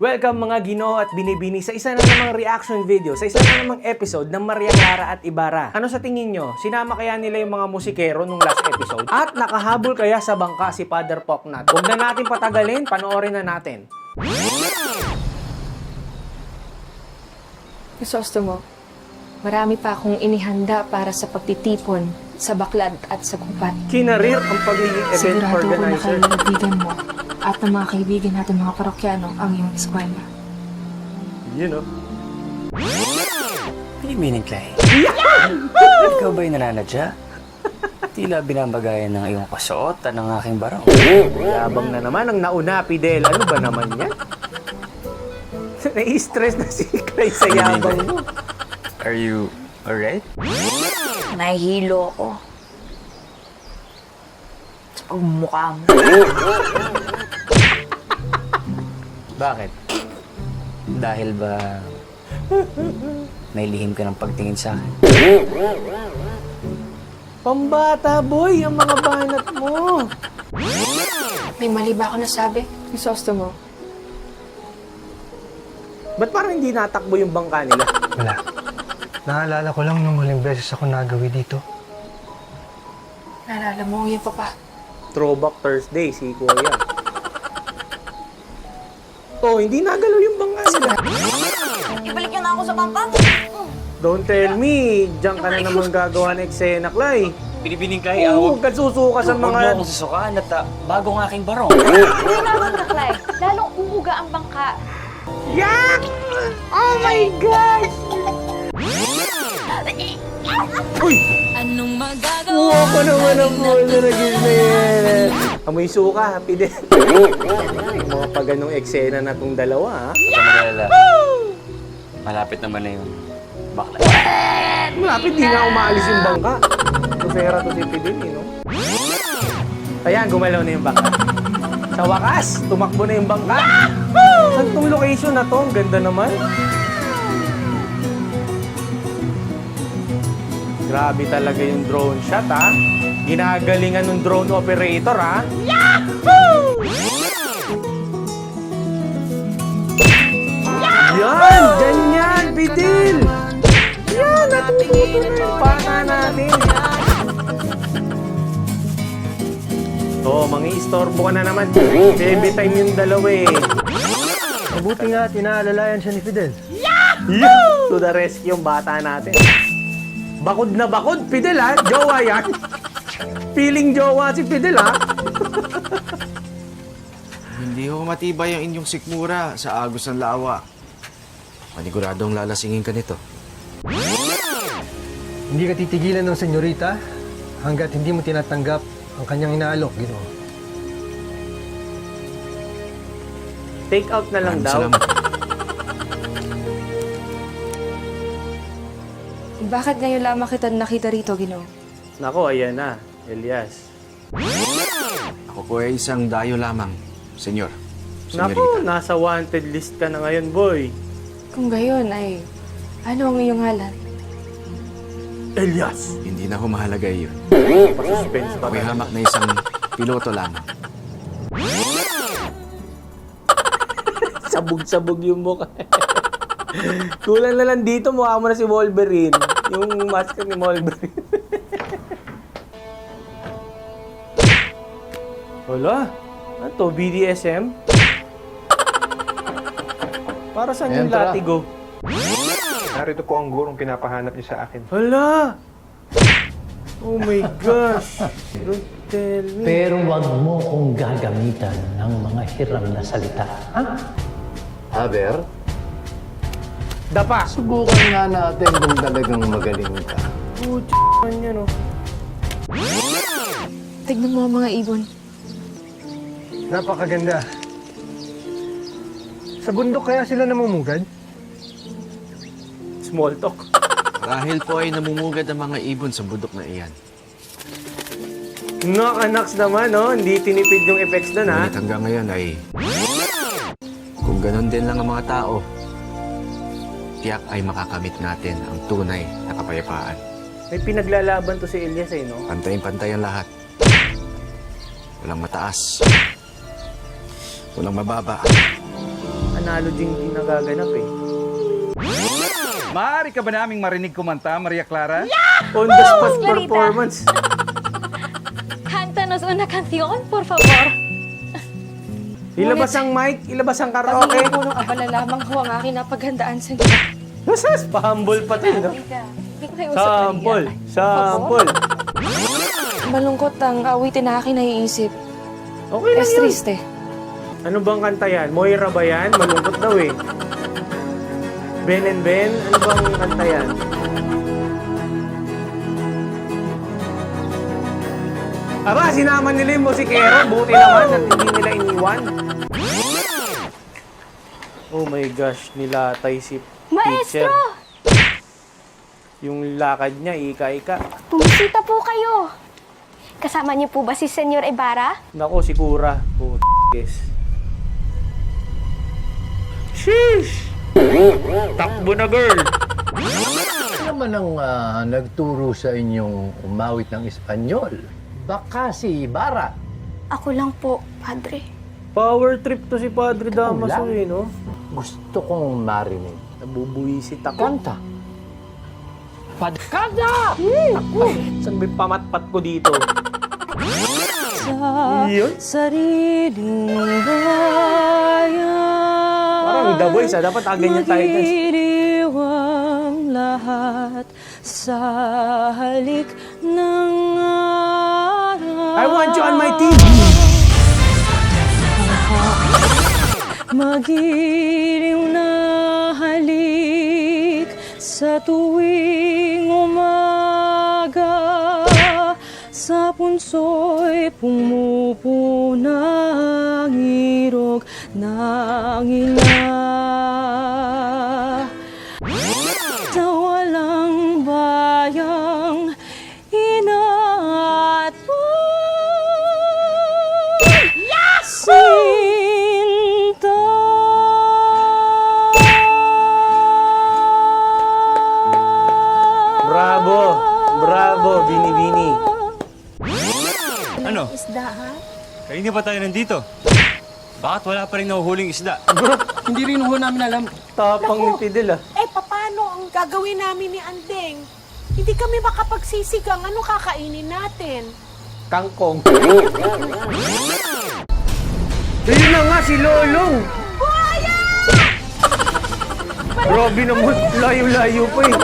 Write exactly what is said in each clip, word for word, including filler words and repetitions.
Welcome mga Ginoo at Binibini sa isa na namang reaction video, sa isa na namang episode ng Maria Clara at Ibarra. Ano sa tingin nyo? Sinama kaya nila yung mga musikero nung last episode? At nakahabol kaya sa bangka si Father Poknat? Huwag na natin patagalin, panoorin na natin. Crisostomo, marami pa akong inihanda para sa pagtitipon sa Baklad at sa Gubat. Kinarir ang pagiging event Sigurado ko na organizer. kaibigan mo at ng mga kaibigan natin mga parokyano ang iyong eskwela. You know. Pinibinin, Clay. Ikaw ba'y nananadya? Tila binabagayan ng iyong kasuotan ng aking barong. Yabang na naman ang nauna, Fidel. Ano ba naman yan? Nai-stress na si Clay sa yabang mo. Are you alright? Nahihilo ako. Sa pagmumukha mo. Bakit? Dahil ba may lihim ka ng pagtingin sa akin? Pambata, boy, ang mga banat mo. May mali ba ako nasabi? Crisostomo, Ba't parang hindi natakbo yung bangka nila? Wala. Naalala ko lang nung huling beses ako nagawi dito. naalala mo yung papa. Throwback Thursday, si Kuya. Oh, hindi nagalaw yung bangka nila. Ibalik niyo na ako sa bangka. Don't tell me, diyan ka na naman gagawa ng eksena, Clay. Binibining, Clay. Oo, huwag ka susuka sa Huwag mo mga... akong susukaan at uh, bago ang aking barong. Tinawag ka, Clay. Lalong uuga ang bangka. Yak! Oh my gosh! Uy! Anong magagawa? Uwa ko naman ang bola na gising. Amoy suka, Fidel. Yung mga pa ganong eksena na tong dalawa, ha? Huwag ka mag-alala. Malapit naman na yung bakla. Malapit, di nga umaalis yung bangka. Kusera to si Fidel, eh, no? Ayan, gumalaw na yung bangka. Sa wakas, tumakbo na yung bangka. Saan tong location na to? Ang ganda naman. Grabe talaga yung drone shot, ha? Ginagalingan ng drone operator, ha? Yahoo! Yan! Ganyan, Fidel! Yan! Natututo na yung bata natin. Oo, oh, mangi-istorbo ka na naman. Baby time yung dalawa, eh. Mabuti nga at inaalalayan siya ni Fidel. Yahoo! To the rescue yung bata natin. Bakod na bakod, Fidel, ha? Jowa yan. Feeling jowa si Fidel, ha? Hindi ho matibay ang inyong sikmura sa agos ng lawa. Paniguradong lalasingin ka nito. Hindi ka titigilan ng senyorita hanggat hindi mo tinatanggap ang kanyang inaalok, Ginoo. Take out na lang Maraming daw. salamat. Bakit ngayon lamang kita nakita rito, Ginoo? Nako, ayan na. Elias. Ako po ay isang dayo lamang, senyor. Nako, Senyorita. nasa wanted list ka na ngayon, boy. Kung gayon ay, ano ang iyong ngalan? Elias! Hindi na ho mahalaga iyon. Pa-suspense pa. Ako'y hamak na isang piloto lamang. Sabog-sabog yung mukha. Kulang na lang dito, mukha mo na si Wolverine. Yung mask ni Wolverine. Wala. Ano to? B D S M? Para saan yung Entra. latigo? Narito po ang gurong pinapahanap niyo sa akin. Hala! Oh my gosh! Don't tell me. Pero wag mo kong gagamitan ng mga hiram na salita. Ha? Aber, Dapa! subukan nga natin kung talagang magaling ka. Oh, man yan, oh. Tignan mo ang mga ibon. Napakaganda. Sa bundok kaya sila namumugad? Small talk. Dahil po ay namumugad ang mga ibon sa budok na iyan. Knock-a-knocks naman, no? Hindi tinipid yung effects doon, ha? Ngunit hanggang ngayon ay... Kung ganon din lang ang mga tao, tiyak ay makakamit natin ang tunay na kapayapaan. May pinaglalaban to si Elias, eh, no? Pantay-pantay ang lahat. Walang mataas. Walang mababa. analogy yung nagaganap eh. Maaari ka ba naming marinig kumanta, Maria Clara? On the spot Clarita. performance. Cántanos una canción, por favor. Ilabas ang mic, ilabas ang karaoke. Paghingi po ng abala lamang ho ang aking napaghandaan sa inyo. Nasas, pa-humble pa tayo, no? Hindi ko kayo usap na Sample, sample. Malungkot ang awitin na aking naiisip. Okay lang Es yun. triste. Ano bang kanta yan? Moira ba yan? Malungkot daw eh. Ben and Ben? Ano bang kanta yan? Aba, sinama nila yung musikero. Buti naman at hindi nila iniwan. Oh my gosh, nilatay si teacher. Maestro! Yung lakad niya, ika-ika. Bumisita po kayo. Kasama niyo po ba si Senyor Ibarra? Nako, si Kura. Oh, yes. Sheesh! Takbo na, girl! Ano naman ang ah, nagturo sa inyong umawit ng Espanyol? Baka si Ibarra. Ako lang po, Padre. Power trip to si Padre Damaso lang. eh, no? Gusto kong marinig. Nabubuisit ako. Kanta. Padkada! Ako! Saan ba yung pamatpat ko dito? Yun? Sariling bayan. Parang The Voice ah. Dapat ah, ganyan tayo guys. Magdiriwang lahat sa halik ng araw. I want you on my team! Magiliw na halik sa tuwing umaga, sa punso'y pumupunang irog ng ina. Sa walang bayang ina at sinta. Bravo! Bravo, Bini-Bini. Ano? Isda, ha? Kanina pa tayo nandito. Bakit wala pa rin nahuhuling isda? Hindi rin ho namin alam. Tapang ni Fidel ah. Eh, paano ang gagawin namin ni Andeng? Hindi kami makapagsisigang. Ano kakainin natin? Kangkong. Ayun na nga, si Lolong! Buhaya! Grabe naman, layo-layo pa eh.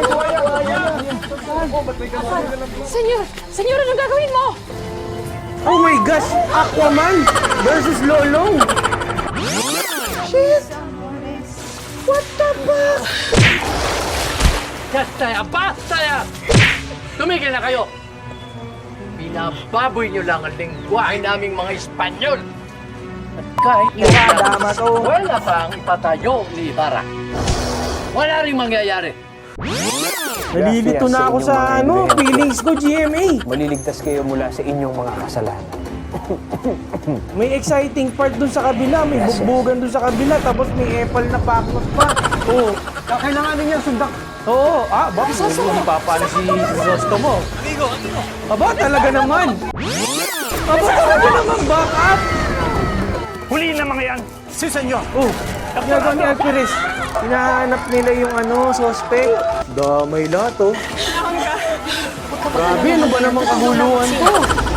Senyor! Senyor, anong gagawin mo? Oh my gosh! Aquaman versus Lolong! Shit! What the fuck? Basta ya! Basta ya! Tumigil na kayo! Binababoy nyo lang ang lingwahe naming mga Espanyol! At kahit Tama to. wala pa ang ipatayo ni Ibarra. Wala rin mangyayari. Nalilito na ako sa ano, feelings ko, G M A. Maliligtas kayo mula sa inyong mga kasalanan. May exciting part dun sa kabila, may bugbugan dun sa kabila, tapos may apple na pakot pa. Oo. Kailangan niya sundak. Oo. Ah, bakit? Hindi papano si Zostomo. Amigo, amigo. Aba, talaga naman. Aba, talaga naman, back up. Huli na mga yan! Si Senyor. Oh, ginagawa ni Alperes. Hinahanap nila yung ano, suspect. Damay lahat, oh. Grabe, ano ba namang kahuluan to?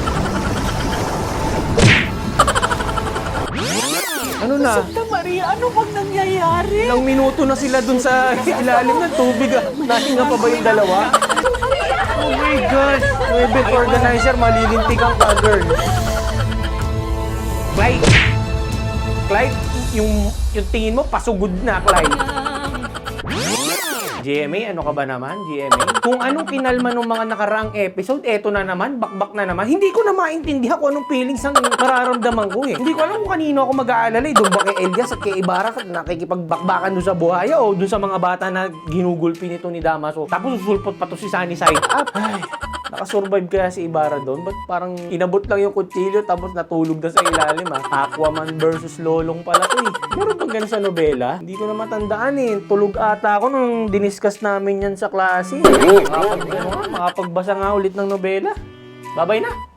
Ano na? Santa Maria, ano bang nangyayari? Ilang minuto na sila dun sa ilalim ng tubig, ah. Nahinga pa ba yung dalawa? Oh my gosh! Event organizer, malilintikan ka, girl. Clyde! Clyde, yung, yung tingin mo, pasugod na, Clyde. G M A, ano ka ba naman, G M A? Kung anong kinalma ng mga nakaraang episode, eto na naman, bakbak na naman. Hindi ko na maintindihan kung anong feelings ang mararamdaman ko eh. Hindi ko alam kung kanino ako mag-aalala eh. Doon ba kay Elias at kay Ibarra nakikipagbakbakan doon sa buhaya o doon sa mga bata na ginugulpi nito ni Damaso. Tapos susulpot pa to si Sunny side up. Ay, nakasurvive kaya si Ibarra doon? Ba't parang inabot lang yung kutsilyo tapos natulog na sa ilalim ah? Aquaman versus Lolong pala to eh. Meron bang ganun sa nobela? Hindi ko na matandaan eh. Tulog ata ako nung diniscuss namin yan sa klase. Makapag, ano, nga, makapagbasa nga ulit ng nobela. Babay na!